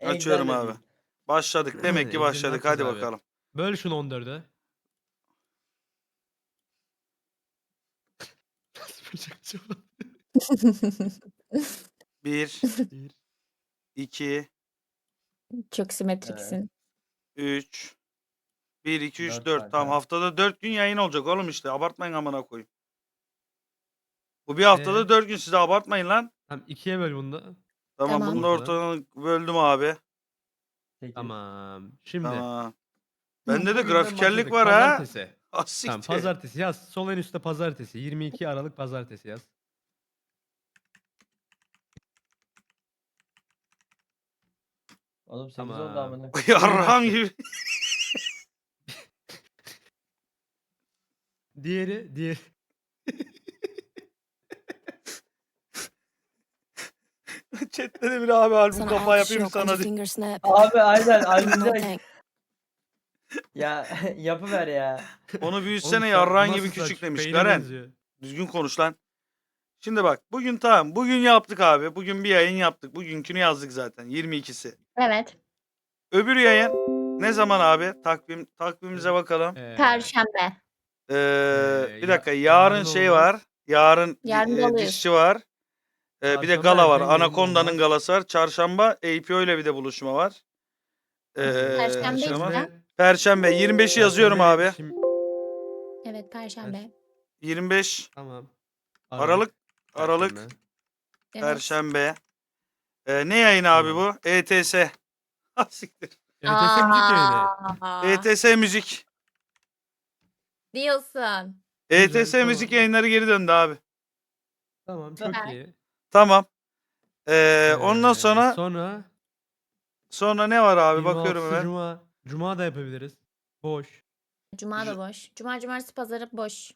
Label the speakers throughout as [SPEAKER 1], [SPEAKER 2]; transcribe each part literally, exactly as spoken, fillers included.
[SPEAKER 1] Açıyorum
[SPEAKER 2] Exile
[SPEAKER 1] abi.
[SPEAKER 2] değil.
[SPEAKER 1] Başladık. Demek ki
[SPEAKER 3] Excel'i ne
[SPEAKER 1] başladık.
[SPEAKER 3] yapacağız
[SPEAKER 1] Hadi
[SPEAKER 3] abi?
[SPEAKER 1] bakalım.
[SPEAKER 3] Böl şunu on dörde. Nasıl bölecek acaba?
[SPEAKER 1] bir,
[SPEAKER 3] Bir.
[SPEAKER 1] iki,
[SPEAKER 2] Çok
[SPEAKER 1] Ee,
[SPEAKER 2] simetriksin.
[SPEAKER 1] üç. bir, iki, üç,
[SPEAKER 2] Dört
[SPEAKER 1] dört. Tamam,
[SPEAKER 2] kanka.
[SPEAKER 1] haftada dört gün yayın olacak oğlum işte. Abartmayın amına koyayım. Bu bir haftada
[SPEAKER 3] Ee?
[SPEAKER 1] dört gün, size abartmayın lan.
[SPEAKER 3] Tamam ikiye böl bunu da.
[SPEAKER 1] Tamam,
[SPEAKER 2] Tamam.
[SPEAKER 1] bunu da
[SPEAKER 3] Ortadan.
[SPEAKER 1] ortadan böldüm abi.
[SPEAKER 2] Sekiz.
[SPEAKER 3] Tamam. Şimdi.
[SPEAKER 1] Tamam. Bende de
[SPEAKER 3] Bugünden
[SPEAKER 1] grafikerlik
[SPEAKER 3] başladık.
[SPEAKER 1] var ha.
[SPEAKER 3] Pazartesi.
[SPEAKER 1] Ah
[SPEAKER 3] Tamam
[SPEAKER 1] siktir.
[SPEAKER 3] pazartesi yaz. Sol en üstte pazartesi. yirmi iki Aralık pazartesi yaz.
[SPEAKER 2] Oğlum sekiz oldu
[SPEAKER 3] Tamam.
[SPEAKER 2] amına.
[SPEAKER 1] Yarrağım gibi.
[SPEAKER 3] Diğeri, diğeri.
[SPEAKER 1] Chat'te de bir abi albüm
[SPEAKER 4] Sana
[SPEAKER 1] kafa
[SPEAKER 4] alkış
[SPEAKER 1] yapayım
[SPEAKER 4] yok.
[SPEAKER 1] sana
[SPEAKER 4] Anca
[SPEAKER 1] diye.
[SPEAKER 4] finger snap.
[SPEAKER 2] Abi aynen
[SPEAKER 4] No
[SPEAKER 2] albümde
[SPEAKER 4] thanks.
[SPEAKER 2] ya yapıver ya.
[SPEAKER 1] Onu
[SPEAKER 3] Oğlum
[SPEAKER 1] büyütsene,
[SPEAKER 3] sen-
[SPEAKER 1] yarrağın
[SPEAKER 3] bu
[SPEAKER 1] gibi
[SPEAKER 3] nasıl
[SPEAKER 1] küçük
[SPEAKER 3] saç?
[SPEAKER 1] demiş.
[SPEAKER 3] Beyne
[SPEAKER 1] Garen.
[SPEAKER 3] benziyor.
[SPEAKER 1] Düzgün konuş lan. Şimdi bak, bugün tamam. Bugün yaptık abi. Bugün bir yayın yaptık. Bugünkünü yazdık zaten. yirmi ikisi.
[SPEAKER 2] Evet.
[SPEAKER 1] Öbür yayın ne zaman abi? Takvim takvimimize bakalım.
[SPEAKER 3] Ee,
[SPEAKER 2] Perşembe.
[SPEAKER 1] Ee,
[SPEAKER 3] Ee,
[SPEAKER 1] bir
[SPEAKER 3] ya-
[SPEAKER 1] dakika, yarın
[SPEAKER 3] yarın
[SPEAKER 1] şey
[SPEAKER 3] olmaz.
[SPEAKER 1] var. Yarın,
[SPEAKER 2] Yarın
[SPEAKER 1] e,
[SPEAKER 2] doluyuz.
[SPEAKER 1] dişçi var. Ee, bir de
[SPEAKER 3] Çarşamba
[SPEAKER 1] gala var.
[SPEAKER 3] erken yayın
[SPEAKER 1] Anaconda'nın
[SPEAKER 3] olmaz.
[SPEAKER 1] galası var. Çarşamba A P O ile bir de buluşma var. Ee,
[SPEAKER 2] Perşembe
[SPEAKER 1] şey var.
[SPEAKER 2] işte.
[SPEAKER 1] Perşembe yirmi beşi yazıyorum
[SPEAKER 3] Perşembe
[SPEAKER 1] abi.
[SPEAKER 3] şimdi-
[SPEAKER 2] Evet Perşembe.
[SPEAKER 1] yirmi beş
[SPEAKER 3] Tamam.
[SPEAKER 1] Aralık Aralık
[SPEAKER 3] Perşembe.
[SPEAKER 2] Evet.
[SPEAKER 1] Perşembe. Ee, ne yayın abi
[SPEAKER 3] Tamam.
[SPEAKER 1] bu? E T S. Ha siktir.
[SPEAKER 3] E T S müzik yayını.
[SPEAKER 2] Aa,
[SPEAKER 1] E T S müzik.
[SPEAKER 2] diyorsun.
[SPEAKER 1] E T S
[SPEAKER 3] Güzel,
[SPEAKER 1] müzik
[SPEAKER 3] tamam.
[SPEAKER 1] yayınları geri döndü abi.
[SPEAKER 3] Tamam çok
[SPEAKER 2] Süper.
[SPEAKER 3] iyi.
[SPEAKER 1] Tamam. Ee, ondan
[SPEAKER 3] Ee,
[SPEAKER 1] sonra
[SPEAKER 3] Sonra
[SPEAKER 1] sonra ne var abi?
[SPEAKER 3] yirmi
[SPEAKER 1] Bakıyorum
[SPEAKER 3] altısı
[SPEAKER 1] hemen.
[SPEAKER 3] Cuma. Cuma da yapabiliriz. Boş.
[SPEAKER 2] Cuma da boş. Cuma, cumartesi, pazarı boş.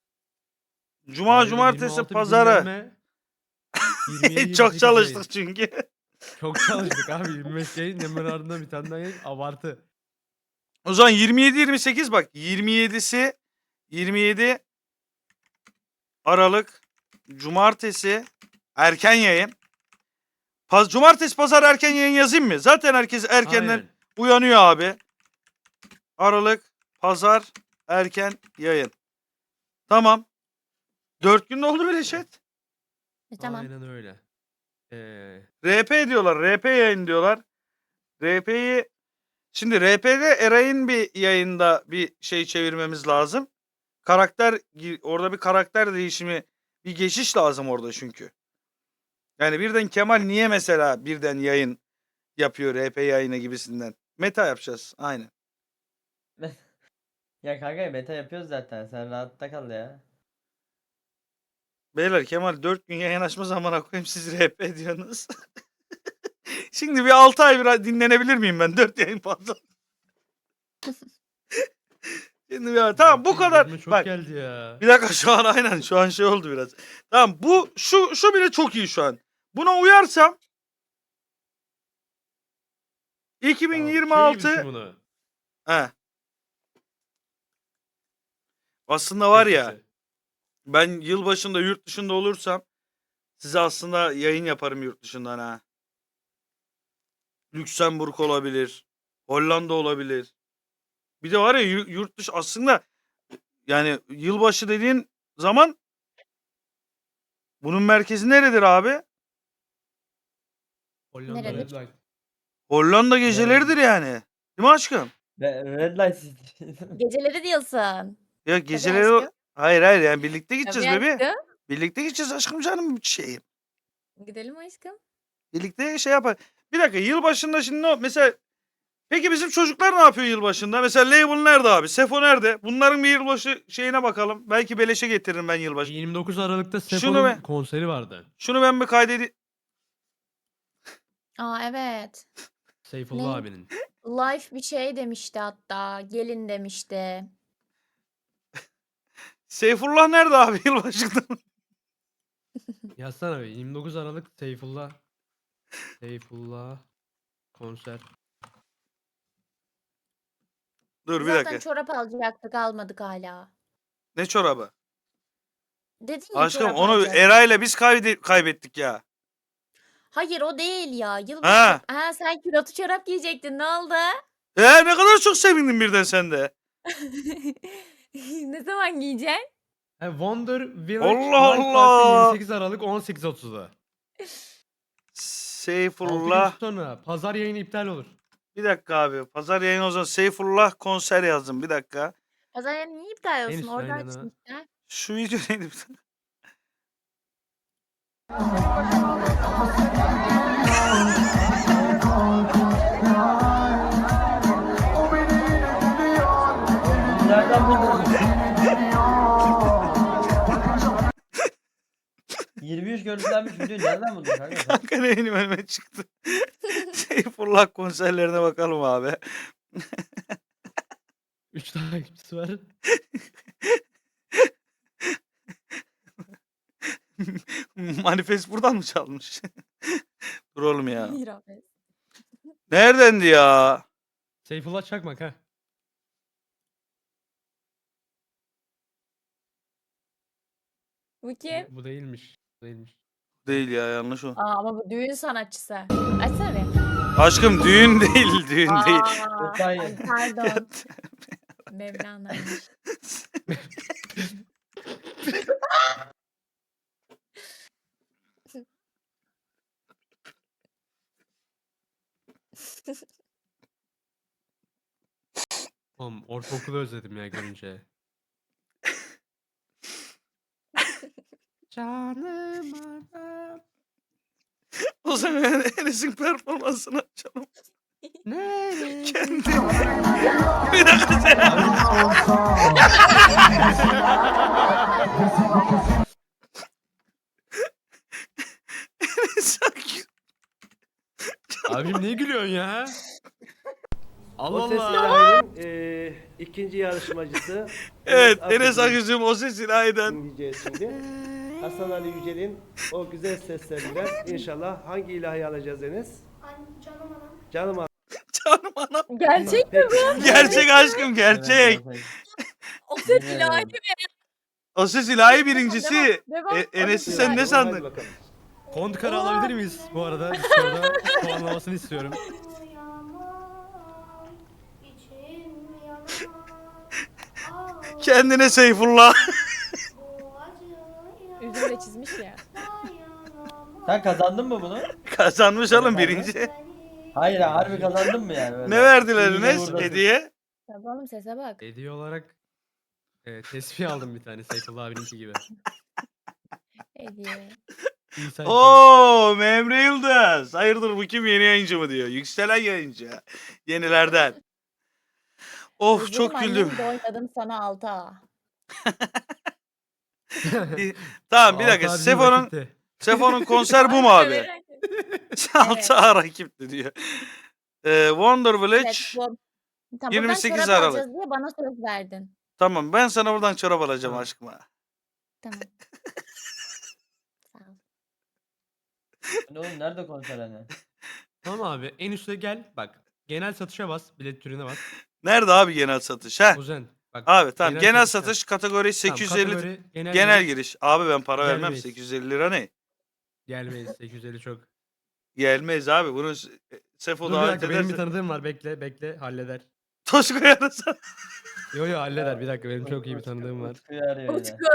[SPEAKER 1] Cuma,
[SPEAKER 3] Hayır,
[SPEAKER 1] cumartesi,
[SPEAKER 3] yirmi altı bir
[SPEAKER 1] pazarı.
[SPEAKER 3] dinlenme. yirmi yedi, yirmi
[SPEAKER 1] Çok
[SPEAKER 3] sekiz
[SPEAKER 1] çalıştık
[SPEAKER 3] yayın.
[SPEAKER 1] çünkü.
[SPEAKER 3] Çok çalıştık abi. yirmi beş yayın hemen ardından bir tane daha yayın. Abartı.
[SPEAKER 1] O zaman yirmi yedi yirmi sekiz bak. yirmi yedisi yirmi yedi Aralık cumartesi erken yayın. Paz cumartesi pazar erken yayın yazayım mı? Zaten herkes erkenden
[SPEAKER 3] Aynen.
[SPEAKER 1] uyanıyor abi. Aralık pazar erken yayın. Tamam. Dört gün oldu bile chat.
[SPEAKER 2] E, tamam.
[SPEAKER 3] Aynen öyle. Ee,
[SPEAKER 1] R P diyorlar. R P yayın diyorlar. R P'yi şimdi R P'de Eray'ın bir yayında bir şey çevirmemiz lazım. Karakter orada bir karakter değişimi, bir geçiş lazım orada çünkü. Yani birden Kemal niye mesela birden yayın yapıyor R P yayını gibisinden. Meta yapacağız. Aynen.
[SPEAKER 2] Ya kanka meta yapıyoruz zaten. Sen rahatta kal ya.
[SPEAKER 1] Beyler Kemal dört gün yayın açma zamana koyayım, siz R P diyorsunuz. Şimdi bir altı ay bir dinlenebilir miyim ben? dört yayın fazla. Şimdi ya tamam bu kadar.
[SPEAKER 3] Gözüme çok
[SPEAKER 1] Bak
[SPEAKER 3] geldi ya.
[SPEAKER 1] bir dakika, şu an aynen şu an şey oldu biraz. Tamam, bu şu şu bile çok iyi şu an. Buna uyarsam
[SPEAKER 3] Tamam,
[SPEAKER 1] iki bin yirmi altı
[SPEAKER 3] şey gibi düşün bunu.
[SPEAKER 1] he. Aslında var ya,
[SPEAKER 3] Eskisi.
[SPEAKER 1] ben yılbaşında yurt dışında olursam size aslında yayın yaparım yurt dışından ha. Lüksemburg olabilir. Hollanda olabilir. Bir de var ya yu- yurt dışı aslında, yani yılbaşı dediğin zaman bunun merkezi neredir abi?
[SPEAKER 3] Hollanda
[SPEAKER 2] Neredir?
[SPEAKER 3] Red Light.
[SPEAKER 1] Hollanda geceleridir yani. Değil mi aşkım?
[SPEAKER 2] Re- Red Light City. Geceleri diyorsun.
[SPEAKER 1] Ya
[SPEAKER 2] Tabii
[SPEAKER 1] geceleri
[SPEAKER 2] aşkım.
[SPEAKER 1] hayır hayır yani birlikte gideceğiz
[SPEAKER 2] Tabii
[SPEAKER 1] bebeğim.
[SPEAKER 2] aşkım.
[SPEAKER 1] Birlikte gideceğiz aşkım, canım şeyim.
[SPEAKER 2] Gidelim aşkım.
[SPEAKER 1] Birlikte şey yapar. Bir dakika, yılbaşında şimdi ne mesela, peki bizim çocuklar ne yapıyor yılbaşında? Mesela Label nerede abi? Sefo nerede? Bunların bir yılbaşı şeyine bakalım. Belki beleşe getiririm ben yılbaşı.
[SPEAKER 3] yirmi dokuz Aralık'ta
[SPEAKER 1] Şunu
[SPEAKER 3] Sefo'nun
[SPEAKER 1] be-
[SPEAKER 3] konseri vardı.
[SPEAKER 1] Şunu ben bir kaydedeyim.
[SPEAKER 2] Aa evet.
[SPEAKER 3] Seyfullah
[SPEAKER 2] Ne?
[SPEAKER 3] abinin.
[SPEAKER 2] Life bir şey demişti hatta. Gelin demişti.
[SPEAKER 1] Seyfullah nerede abi yılbaşında?
[SPEAKER 3] Yazsana be. yirmi dokuz Aralık Seyfullah. Seyfullah konser.
[SPEAKER 1] Dur bir
[SPEAKER 2] Zaten
[SPEAKER 1] dakika.
[SPEAKER 2] çorap alacaktık almadık hala.
[SPEAKER 1] Ne çorabı?
[SPEAKER 2] Dedin ya
[SPEAKER 1] Aşkım
[SPEAKER 2] çorap
[SPEAKER 1] onu
[SPEAKER 2] alacağız.
[SPEAKER 1] Eray'la biz kaybe- kaybettik ya.
[SPEAKER 2] Hayır o değil ya. Yılbaşı.
[SPEAKER 1] Ha.
[SPEAKER 2] Ha sen külotlu çorap giyecektin. Ne oldu?
[SPEAKER 1] Ee, ne kadar çok sevindin birden sen de.
[SPEAKER 2] Ne zaman giyeceksin?
[SPEAKER 3] Ha, Wonder Village
[SPEAKER 1] Allah
[SPEAKER 3] Live Park'ta
[SPEAKER 1] Allah.
[SPEAKER 3] yirmi sekiz Aralık on sekiz otuzda. altı gün
[SPEAKER 1] Seyfullah.
[SPEAKER 3] sonra pazar yayını iptal olur.
[SPEAKER 1] Bir dakika abi. Pazar yayını o zaman Seyfullah konser yazdım. Bir dakika.
[SPEAKER 2] Pazar yerine niye iptal
[SPEAKER 3] En
[SPEAKER 2] olsun?
[SPEAKER 3] üstte
[SPEAKER 2] Orada
[SPEAKER 3] aynen ha.
[SPEAKER 2] açmışlar.
[SPEAKER 1] Şu video neydi?
[SPEAKER 4] Nereden buldun? yirmi üç görüntülenmiş video nereden buldun kanka sen?
[SPEAKER 1] Kanka ne benim önüme çıktı. Seyfullah konserlerine bakalım abi.
[SPEAKER 3] üç takipçisi var.
[SPEAKER 1] Manifest buradan mı çalmış? Dur oğlum ya.
[SPEAKER 2] Hayır abi.
[SPEAKER 1] Neredendi ya?
[SPEAKER 3] Seyfullah Çakmak ha.
[SPEAKER 2] Bu kim?
[SPEAKER 3] Bu, bu değilmiş. Bu değilmiş.
[SPEAKER 1] Değil ya, yanlış o.
[SPEAKER 2] Aa ama bu düğün sanatçısı. Açsana bir.
[SPEAKER 1] Aşkım düğün değil, düğün değil.
[SPEAKER 2] Aa,
[SPEAKER 4] Hayır.
[SPEAKER 2] ay pardon. Mevlana'ymış.
[SPEAKER 3] Oğlum ortaokulu özledim ya görünce. Canım adam.
[SPEAKER 1] O zaman Enes'in performansını açalım.
[SPEAKER 3] Nerede?
[SPEAKER 1] Kendi. Bir dakika sen. Enes sanki.
[SPEAKER 3] Abim niye gülüyorsun ya? Allah
[SPEAKER 5] O Ses
[SPEAKER 3] Allah.
[SPEAKER 5] İlahi'nin eee ikinci yarışmacısı.
[SPEAKER 1] Evet, Enes
[SPEAKER 5] Akgül'ün
[SPEAKER 1] Akıcı'm o sesin aynen.
[SPEAKER 5] dinleyeceğiz şimdi. Hasan Ali Yücel'in o güzel sesleriyle inşallah hangi ilahi alacağız Enes?
[SPEAKER 6] Canım anam.
[SPEAKER 5] Canım abi.
[SPEAKER 1] Canım anam.
[SPEAKER 2] Gerçek mi
[SPEAKER 5] Peki.
[SPEAKER 2] bu?
[SPEAKER 1] Gerçek aşkım, gerçek.
[SPEAKER 2] O ses ilahi mi?
[SPEAKER 1] O ses ilahi birincisi.
[SPEAKER 2] Devam,
[SPEAKER 1] E,
[SPEAKER 2] devam.
[SPEAKER 1] Enes'i
[SPEAKER 2] O
[SPEAKER 1] sen
[SPEAKER 2] ses
[SPEAKER 1] ne
[SPEAKER 2] ilahi.
[SPEAKER 1] sandın?
[SPEAKER 5] Hadi bakalım.
[SPEAKER 3] Kontkarı alabilir miyiz bu arada? Discord'da puanlamasını istiyorum.
[SPEAKER 6] Yaman, içim yaman. Ah,
[SPEAKER 1] Kendine Seyfullah.
[SPEAKER 6] bu acıya
[SPEAKER 2] Üzümle çizmiş ya.
[SPEAKER 6] dayanamam.
[SPEAKER 4] Sen kazandın mı bunu?
[SPEAKER 1] Kazanmış oğlum birinci.
[SPEAKER 4] Hayır harbi kazandın mı yani? Böyle?
[SPEAKER 1] Ne verdiler
[SPEAKER 4] İyi de
[SPEAKER 1] Enes
[SPEAKER 4] buradasın.
[SPEAKER 1] hediye?
[SPEAKER 2] Tabii oğlum sese bak.
[SPEAKER 3] Hediye olarak e, tesbih aldım bir tane Seyfullah abininki gibi.
[SPEAKER 2] Hediye.
[SPEAKER 3] İsa
[SPEAKER 1] Oo, Memre Yıldız. Hayırdır bu kim, yeni yayıncı mı diyor. Yükselen yayıncı. Yenilerden. Of
[SPEAKER 2] Özledim
[SPEAKER 1] çok
[SPEAKER 2] annem
[SPEAKER 1] güldüm.
[SPEAKER 2] de oynadım sana altı A.
[SPEAKER 1] Tamam bir dakika. Sefo'nun Sefo'nun konser bu mu abi? Altı A rakipti diyor. Ee, Wonder Village.
[SPEAKER 2] Evet, bu. Tamam,
[SPEAKER 1] yirmi
[SPEAKER 2] buradan
[SPEAKER 1] sekiz
[SPEAKER 2] çorap
[SPEAKER 1] Aralık.
[SPEAKER 2] alacağız diye bana söz verdin.
[SPEAKER 1] Tamam ben sana buradan çorap alacağım
[SPEAKER 3] Tamam.
[SPEAKER 1] aşkıma.
[SPEAKER 2] Tamam. Sağ ol.
[SPEAKER 4] Ne oğlum nerede konser hani?
[SPEAKER 3] Tamam abi en üstte gel bak. Genel satışa bas. Bilet türüne bas.
[SPEAKER 1] Nerede abi genel satış? Heh.
[SPEAKER 3] Kuzen. Bak,
[SPEAKER 1] Abi tamam genel,
[SPEAKER 3] satışa.
[SPEAKER 1] satış kategori
[SPEAKER 3] Tamam,
[SPEAKER 1] sekiz yüz elli
[SPEAKER 3] kategori, genel,
[SPEAKER 1] genel
[SPEAKER 3] giriş.
[SPEAKER 1] giriş. Abi ben para vermem,
[SPEAKER 3] Gelmeyiz.
[SPEAKER 1] sekiz yüz elli lira ne?
[SPEAKER 3] Gelmeyiz sekiz yüz elli çok.
[SPEAKER 1] Gelmez abi. Bunu S- Sefo
[SPEAKER 3] Dur bir
[SPEAKER 1] davet
[SPEAKER 3] dakika benim bir
[SPEAKER 1] ederse.
[SPEAKER 3] tanıdığım var bekle bekle halleder.
[SPEAKER 1] Toşko'ya da sen.
[SPEAKER 3] Yo yo halleder bir dakika benim çok iyi bir
[SPEAKER 4] Utku-
[SPEAKER 3] tanıdığım var.
[SPEAKER 4] Utku'yu arıyor yine.
[SPEAKER 2] Utku.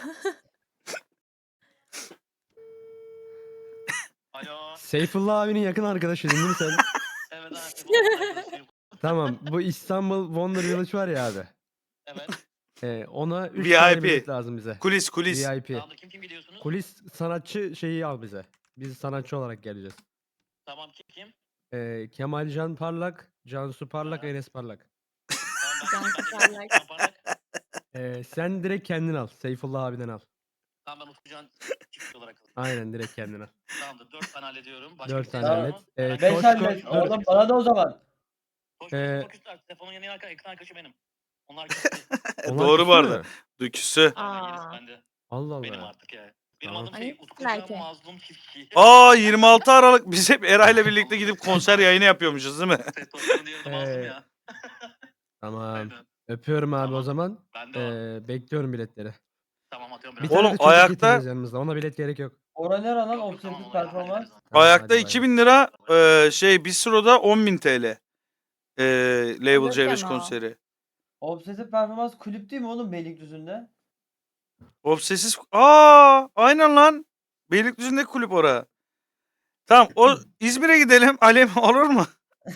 [SPEAKER 7] Alo.
[SPEAKER 3] Seyfullah abinin yakın arkadaşı değil mi sen?
[SPEAKER 7] Evet abi.
[SPEAKER 3] Tamam bu İstanbul Wonder Village var ya abi.
[SPEAKER 7] Evet.
[SPEAKER 3] Ee, ona üç
[SPEAKER 1] V I
[SPEAKER 3] tane
[SPEAKER 1] P.
[SPEAKER 3] bilet lazım bize.
[SPEAKER 1] Kulis kulis.
[SPEAKER 3] V I P.
[SPEAKER 7] Tamam da kim kim gidiyorsunuz?
[SPEAKER 3] Kulis sanatçı şeyi al bize. Biz sanatçı olarak geleceğiz.
[SPEAKER 7] Tamam kim kim?
[SPEAKER 3] Ee, Kemal Can Parlak, Cansu Parlak,
[SPEAKER 7] Ha.
[SPEAKER 3] Enes Parlak.
[SPEAKER 7] Tamam ben,
[SPEAKER 2] Can
[SPEAKER 7] ben de
[SPEAKER 2] Parlak.
[SPEAKER 7] Can Parlak.
[SPEAKER 3] Ee, sen direkt kendin al. Seyfullah abiden al.
[SPEAKER 7] Tamam ben Utkucan çift olarak alayım.
[SPEAKER 3] Aynen direkt kendin al.
[SPEAKER 7] Tamamdır. Dört tane hallediyorum. Başka
[SPEAKER 3] Dört
[SPEAKER 7] bir
[SPEAKER 3] tane
[SPEAKER 7] şey var
[SPEAKER 3] hallet.
[SPEAKER 7] mı?
[SPEAKER 3] Ee,
[SPEAKER 7] Herhangi
[SPEAKER 4] Beş
[SPEAKER 7] bir-
[SPEAKER 3] Toşko-
[SPEAKER 4] hallet.
[SPEAKER 3] dur.
[SPEAKER 4] Oğlum bana da o zaman.
[SPEAKER 7] Toşko,
[SPEAKER 3] Ee,
[SPEAKER 7] çok küstüler. Telefonun yanına yakın, yakın arkadaşı benim. Onlar küstü.
[SPEAKER 3] Onlar
[SPEAKER 1] Doğru bu
[SPEAKER 3] küstü
[SPEAKER 1] arada.
[SPEAKER 3] mü?
[SPEAKER 1] Düküsü.
[SPEAKER 7] Aynen, gerisi
[SPEAKER 2] Aa.
[SPEAKER 7] bende.
[SPEAKER 3] Allah
[SPEAKER 7] Benim
[SPEAKER 3] Allah.
[SPEAKER 7] artık ya. Benim
[SPEAKER 3] Tamam.
[SPEAKER 7] adım şey
[SPEAKER 2] Ay,
[SPEAKER 7] Utkucan
[SPEAKER 2] belki.
[SPEAKER 7] Mazlum Çiftçi.
[SPEAKER 1] Aa yirmi altı Aralık biz hep Eray'la birlikte gidip konser yayını yapıyormuşuz değil mi?
[SPEAKER 7] Toşko'nun diğeri de Mazlum
[SPEAKER 3] Ee,
[SPEAKER 7] ya.
[SPEAKER 3] Tamam.
[SPEAKER 7] Aynen.
[SPEAKER 3] Öpüyorum abi o
[SPEAKER 7] Tamam.
[SPEAKER 3] zaman.
[SPEAKER 7] Ben de o.
[SPEAKER 3] Ee, bekliyorum biletleri.
[SPEAKER 7] Tamam atıyorum
[SPEAKER 3] Bir
[SPEAKER 7] biraz.
[SPEAKER 1] Oğlum,
[SPEAKER 3] tane de çocuk
[SPEAKER 1] ayakta-
[SPEAKER 3] getireceğiz yanımızda. Ona bilet gerek yok.
[SPEAKER 4] Ora nere lan
[SPEAKER 7] Yok, yok,
[SPEAKER 4] obsesif
[SPEAKER 7] tamam, onu
[SPEAKER 4] performans?
[SPEAKER 7] hallederiz.
[SPEAKER 3] Tamam,
[SPEAKER 1] Ayakta
[SPEAKER 3] hadi bay
[SPEAKER 1] iki
[SPEAKER 3] bay.
[SPEAKER 1] bin lira, e, şey Bistro'da on bin T L. E, Label
[SPEAKER 2] Alırken
[SPEAKER 1] C beş
[SPEAKER 2] o.
[SPEAKER 1] konseri.
[SPEAKER 4] Obsesif performans kulüp değil mi oğlum Beylikdüzü'nde?
[SPEAKER 1] Obsesiz. Aa, aynen lan. Beylikdüzü'ndeki kulüp ora. Tamam, o İzmir'e gidelim. Alem olur mu?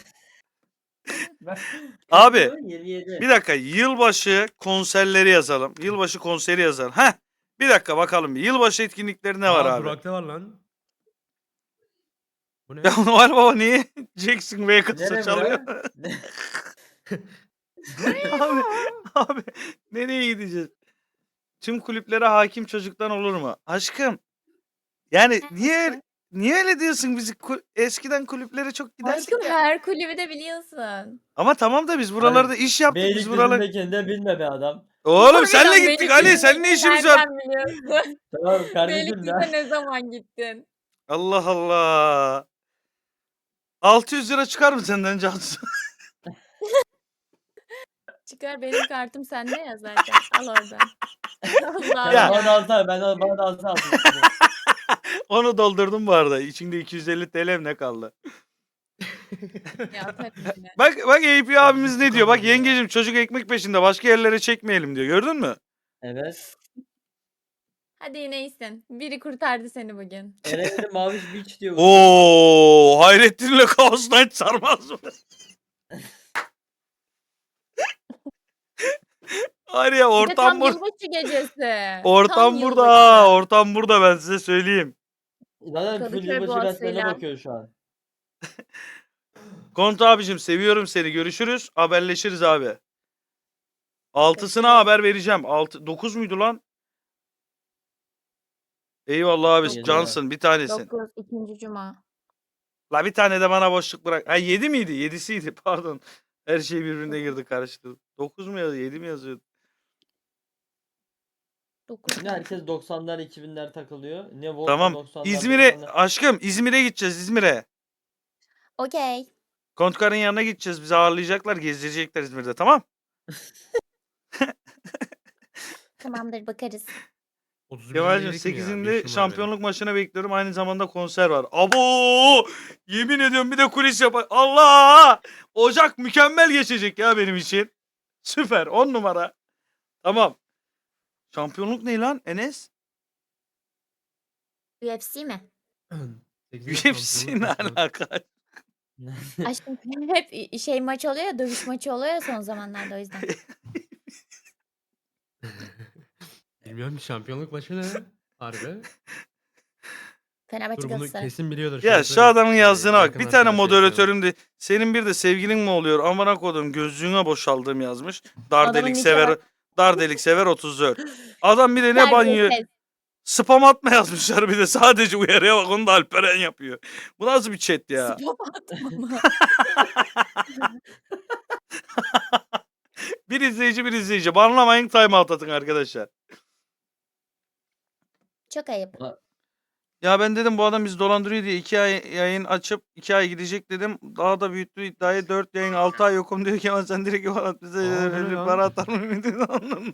[SPEAKER 4] Ben-
[SPEAKER 1] Abi,
[SPEAKER 4] Kaç yıl? yirmi yedi.
[SPEAKER 1] Bir dakika, yılbaşı konserleri yazalım. Yılbaşı konseri yazalım. Heh. Bir dakika bakalım. bir. Yılbaşı etkinlikleri ne var
[SPEAKER 3] Aa,
[SPEAKER 1] abi?
[SPEAKER 3] Burak'ta var lan. Bu ne?
[SPEAKER 1] Ya Noel Baba niye Jackson Vegas'a
[SPEAKER 4] Nere
[SPEAKER 1] çalıyor?
[SPEAKER 4] bura?
[SPEAKER 1] abi, abi nereye gideceğiz? Tüm kulüplere hakim çocuktan olur mu? Aşkım. Yani niye niye öyle diyorsun? Biz kul- eskiden kulüplere çok giderdik
[SPEAKER 2] Aşkım
[SPEAKER 1] ya.
[SPEAKER 2] her kulübü de biliyorsun.
[SPEAKER 1] Ama tamam da biz buralarda iş yaptık. Biz buralar.
[SPEAKER 4] Beylikdüzü'ndekini de bilme be adam.
[SPEAKER 1] Oğlum senle
[SPEAKER 2] Harbiden
[SPEAKER 1] gittik Ali. Senin ne işimiz var?
[SPEAKER 2] Nereden biliyorsun?
[SPEAKER 4] Tamam kardeşim
[SPEAKER 2] Beylikdüzü'ne
[SPEAKER 4] ya.
[SPEAKER 2] ne zaman gittin?
[SPEAKER 1] Allah Allah. altı yüz lira çıkar mı senden Cansu?
[SPEAKER 2] Çıkar benim kartım sende ya zaten. Al oradan. Allah'ım
[SPEAKER 1] Ya.
[SPEAKER 2] ya.
[SPEAKER 4] Bana da alsana ben de, bana da alsana. alsana.
[SPEAKER 1] Onu doldurdum bu arada. İçinde iki yüz elli T L'm ne kaldı?
[SPEAKER 2] Ya atarım yine.
[SPEAKER 1] Bak bak A P abimiz ne diyor? Bak
[SPEAKER 3] Tamam ya.
[SPEAKER 1] yengecim çocuk ekmek peşinde başka yerlere çekmeyelim diyor. Gördün mü?
[SPEAKER 4] Evet.
[SPEAKER 2] Hadi yine iyisin. Biri kurtardı seni bugün.
[SPEAKER 4] Eren'de Maviş Beach diyor.
[SPEAKER 1] Oo, Hayrettin'le Kaos Night sarmaz mı? Var ya
[SPEAKER 2] Bir de
[SPEAKER 1] ortam
[SPEAKER 2] tam
[SPEAKER 1] burada.
[SPEAKER 2] yılbaşı gecesi.
[SPEAKER 1] Ortam
[SPEAKER 2] Tam
[SPEAKER 1] burada.
[SPEAKER 2] yılbaşı.
[SPEAKER 1] ha, Ortam burada ben size söyleyeyim.
[SPEAKER 4] Zaten full
[SPEAKER 2] Kadıköy
[SPEAKER 4] yılbaşı gazetelerine
[SPEAKER 2] Boğazı'yla.
[SPEAKER 4] bakıyor şu an.
[SPEAKER 1] Kont abicim seviyorum seni. Görüşürüz. Haberleşiriz abi. Altısına haber vereceğim. Altı, dokuz muydu lan? Eyvallah abi.
[SPEAKER 2] Dokuz.
[SPEAKER 1] Cansın bir tanesin.
[SPEAKER 2] dokuz ikinci cuma.
[SPEAKER 1] La bir tane de bana boşluk bırak. Ha yedi miydi? Yedisiydi pardon. Her şey birbirine girdi karıştı. dokuz mu yazıyor? yedi mi yazıyordu?
[SPEAKER 2] dokuz.
[SPEAKER 4] Şimdi herkes doksanlar iki binler takılıyor. Ne Volkan
[SPEAKER 1] Tamam.
[SPEAKER 4] doksanlar,
[SPEAKER 1] İzmir'e
[SPEAKER 4] doksanlar.
[SPEAKER 1] aşkım İzmir'e gideceğiz İzmir'e.
[SPEAKER 2] Okey.
[SPEAKER 1] Kontkar'ın yanına gideceğiz. Bizi ağırlayacaklar, gezdirecekler İzmir'de tamam?
[SPEAKER 2] Tamamdır bakarız.
[SPEAKER 3] otuz bir
[SPEAKER 1] Kemal'cim
[SPEAKER 3] dedik mi ya? Bir
[SPEAKER 1] sekizinde
[SPEAKER 3] işim var
[SPEAKER 1] şampiyonluk maçına bekliyorum. Aynı zamanda konser var. Abo! Yemin ediyorum bir de kulis yap. Allah! Ocak mükemmel geçecek ya benim için. Süper. on numara. Tamam. Şampiyonluk ne lan Enes?
[SPEAKER 2] U F C mi?
[SPEAKER 3] benim.
[SPEAKER 1] U
[SPEAKER 3] sekizinde
[SPEAKER 1] F C
[SPEAKER 3] şampiyonluk
[SPEAKER 1] ne
[SPEAKER 3] maçı var.
[SPEAKER 1] alaka?
[SPEAKER 2] Aşkım hep şey maç oluyor ya, dövüş maçı oluyor ya son zamanlarda o yüzden.
[SPEAKER 3] Bilmiyorum ki şampiyonluk maçı ne? Harbi.
[SPEAKER 2] Fenerbahçe
[SPEAKER 3] Dur bunu
[SPEAKER 2] Galatasaray.
[SPEAKER 3] kesin biliyordur.
[SPEAKER 1] Ya
[SPEAKER 3] şöyle
[SPEAKER 1] şu
[SPEAKER 3] söyleyeyim.
[SPEAKER 1] adamın
[SPEAKER 3] Ee,
[SPEAKER 1] yazdığına bak.
[SPEAKER 3] yakın
[SPEAKER 1] Bir tane
[SPEAKER 3] arkadaş yapıyorum.
[SPEAKER 1] moderatörüm de senin bir de sevgilin mi oluyor? Amına kodum gözlüğüne boşaldığım yazmış. Dar
[SPEAKER 2] Adamın
[SPEAKER 1] delik
[SPEAKER 2] nike
[SPEAKER 1] sever.
[SPEAKER 2] bak.
[SPEAKER 1] Dar delik sever otuz dört. Adam bir de ne banyo
[SPEAKER 2] Terbiyesiz.
[SPEAKER 1] spam atma yazmışlar bir de sadece uyarıya bak onu da Alperen yapıyor. Bu nasıl bir chat ya?
[SPEAKER 2] Spam atma mı?
[SPEAKER 1] Bir izleyici bir izleyici. Banlamayın time out atın arkadaşlar.
[SPEAKER 2] Çok ayıp.
[SPEAKER 1] Ya ben dedim bu adam bizi dolandırıyor diye iki ay yayın açıp iki ay gidecek dedim. Daha da büyüttü iddiayı dört yayın altı ay yokum diyor ki ama sen direkt bana bize
[SPEAKER 3] Aa, bu ne
[SPEAKER 1] öyle
[SPEAKER 3] lan?
[SPEAKER 1] para atar mı?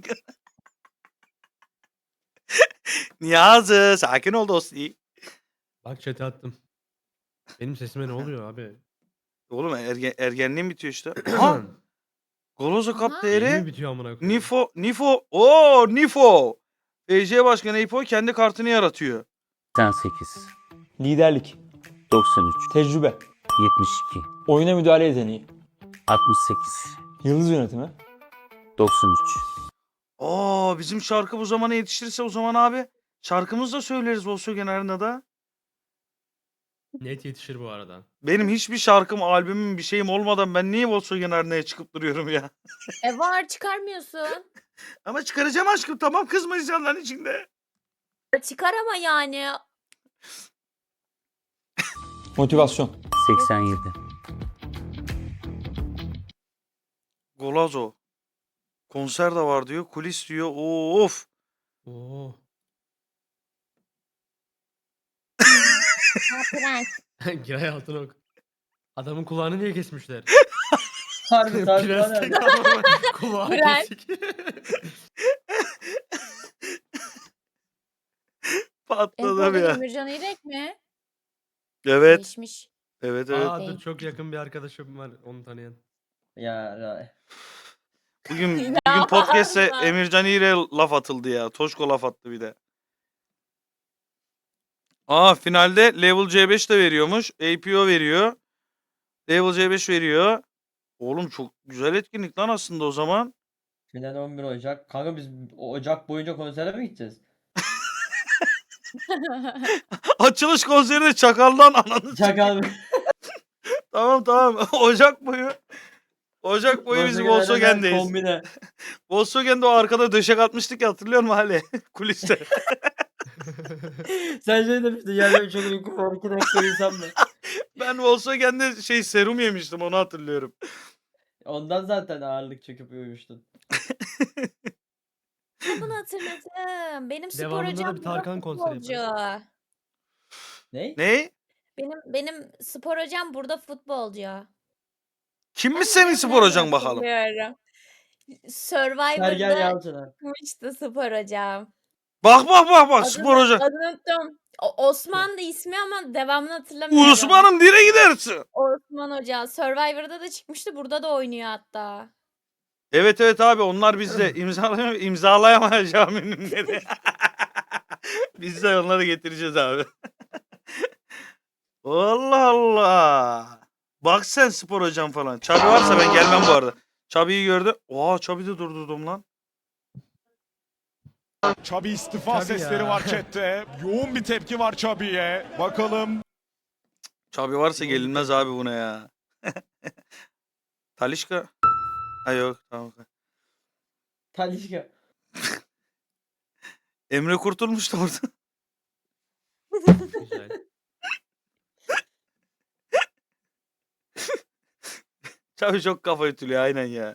[SPEAKER 1] Niyazi sakin ol dosti.
[SPEAKER 3] Bak chat'e attım. Benim sesime ne oluyor abi?
[SPEAKER 1] Oğlum ergen, ergenliğim bitiyor işte. Ha, Golozo Cup
[SPEAKER 2] Aha.
[SPEAKER 3] Yeni mi
[SPEAKER 1] değeri
[SPEAKER 3] bitiyor amına koyayım?
[SPEAKER 1] Nifo Nifo o Nifo. F C Başkanı Nifo kendi kartını yaratıyor.
[SPEAKER 8] seksen sekiz,
[SPEAKER 9] Liderlik,
[SPEAKER 8] doksan üç,
[SPEAKER 9] tecrübe,
[SPEAKER 8] yetmiş iki,
[SPEAKER 9] oyuna müdahale yeteneği,
[SPEAKER 8] altmış sekiz,
[SPEAKER 9] yıldız yönetimi,
[SPEAKER 8] doksan üç.
[SPEAKER 1] Aa bizim şarkı bu zamana yetişirse o zaman abi şarkımızı da söyleriz Volkswagen Arena'da.
[SPEAKER 3] Net yetişir bu arada.
[SPEAKER 1] Benim hiçbir şarkım, albümüm, bir şeyim olmadan ben niye Volkswagen Arena'ya çıkıp duruyorum ya?
[SPEAKER 2] E var çıkarmıyorsun.
[SPEAKER 1] Ama çıkaracağım aşkım tamam kızma insanların içinde.
[SPEAKER 2] Çıkar ama yani.
[SPEAKER 9] motivasyon,
[SPEAKER 8] seksen yedi.
[SPEAKER 1] Golazo. Konser de var diyor. Kulis diyor. Of.
[SPEAKER 3] Oo.
[SPEAKER 2] Ha, prens.
[SPEAKER 3] Giray Altınok. Adamın kulağını niye kesmişler?
[SPEAKER 4] Harbi harbi
[SPEAKER 3] Prens
[SPEAKER 4] harbi.
[SPEAKER 3] tek adamın kulağı
[SPEAKER 2] Prens.
[SPEAKER 3] kesik.
[SPEAKER 1] Atladım
[SPEAKER 2] Empoli
[SPEAKER 1] ya.
[SPEAKER 2] Emircan İrek mi?
[SPEAKER 1] Evet.
[SPEAKER 2] Değişmiş.
[SPEAKER 1] Evet evet.
[SPEAKER 3] Aa dur
[SPEAKER 2] Değil.
[SPEAKER 3] çok yakın bir arkadaşım var onu tanıyan.
[SPEAKER 4] Ya, ya.
[SPEAKER 1] Bugün
[SPEAKER 2] Ya
[SPEAKER 1] bugün podcast'te
[SPEAKER 2] Allah.
[SPEAKER 1] Emircan İğrek'e laf atıldı ya. Toşko laf attı bir de. Aa finalde Level C beş de veriyormuş. A P O veriyor. Level C beş veriyor. Oğlum çok güzel etkinlik lan aslında o zaman.
[SPEAKER 4] Final on bir Ocak. Kanka biz o Ocak boyunca konsere mi gideceğiz?
[SPEAKER 1] Açılış konseri de Çakal'dan ananı
[SPEAKER 4] Çakal.
[SPEAKER 1] Tamam tamam. Ocak boyu. Ocak boyu biz Volkswagen'deyiz.
[SPEAKER 4] Kombine.
[SPEAKER 1] Volkswagen'de o arkada döşek atmıştık ya hatırlıyor musun hali? Kuliste.
[SPEAKER 4] Sen şey demiştin ya benim çok uykum var iki dakika uyusam mı?
[SPEAKER 1] Ben Volkswagen'de şey serum yemiştim onu hatırlıyorum.
[SPEAKER 4] Ondan zaten ağırlık çöküp uyumuştun.
[SPEAKER 2] Bunu hatırladım. Benim spor
[SPEAKER 3] Devamında da
[SPEAKER 2] hocam
[SPEAKER 3] bir
[SPEAKER 2] burada
[SPEAKER 3] Tarkan konseri
[SPEAKER 2] futbolcu.
[SPEAKER 4] Ne?
[SPEAKER 1] Ne?
[SPEAKER 2] Benim benim spor hocam burada futbolcu.
[SPEAKER 1] Kimmiş
[SPEAKER 2] Ben
[SPEAKER 1] senin
[SPEAKER 2] nereden
[SPEAKER 1] spor hocan bakalım?
[SPEAKER 2] hatırlıyorum.
[SPEAKER 4] Sergen
[SPEAKER 2] Survivor'da
[SPEAKER 4] Yalçın'a.
[SPEAKER 2] çıkmıştı spor hocam.
[SPEAKER 1] Bak bak bak bak
[SPEAKER 2] Adını,
[SPEAKER 1] spor hoca.
[SPEAKER 2] adını unuttum. O- Osman da ismi ama devamını hatırlamıyorum.
[SPEAKER 1] Osman'ım nereye gidersin?
[SPEAKER 2] Osman Hoca. Survivor'da da çıkmıştı. Burada da oynuyor hatta.
[SPEAKER 1] Evet evet abi onlar bizde imzalayam imzalayamayacağım ünlüleri. Biz de onları getireceğiz abi. Allah Allah. Bak sen spor hocam falan. Çabi varsa ben gelmem bu arada. Çabi'yi gördü. Oha Çabi de durdurdum lan.
[SPEAKER 10] Çabi istifa
[SPEAKER 3] Çabi
[SPEAKER 10] sesleri
[SPEAKER 3] ya.
[SPEAKER 10] var chatte. Yoğun bir tepki var Çabi'ye. Bakalım.
[SPEAKER 1] Çabi varsa gelinmez abi buna ya. Talişka. Ha yok tamam.
[SPEAKER 4] Talişka.
[SPEAKER 1] Emre kurtulmuştu orada.
[SPEAKER 3] Güzel.
[SPEAKER 1] Çabi çok kafa ütülüyor aynen ya.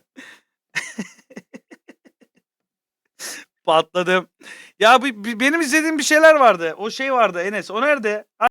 [SPEAKER 1] Patladım. Ya bir- bir- benim izlediğim bir şeyler vardı. O şey vardı Enes. O nerede?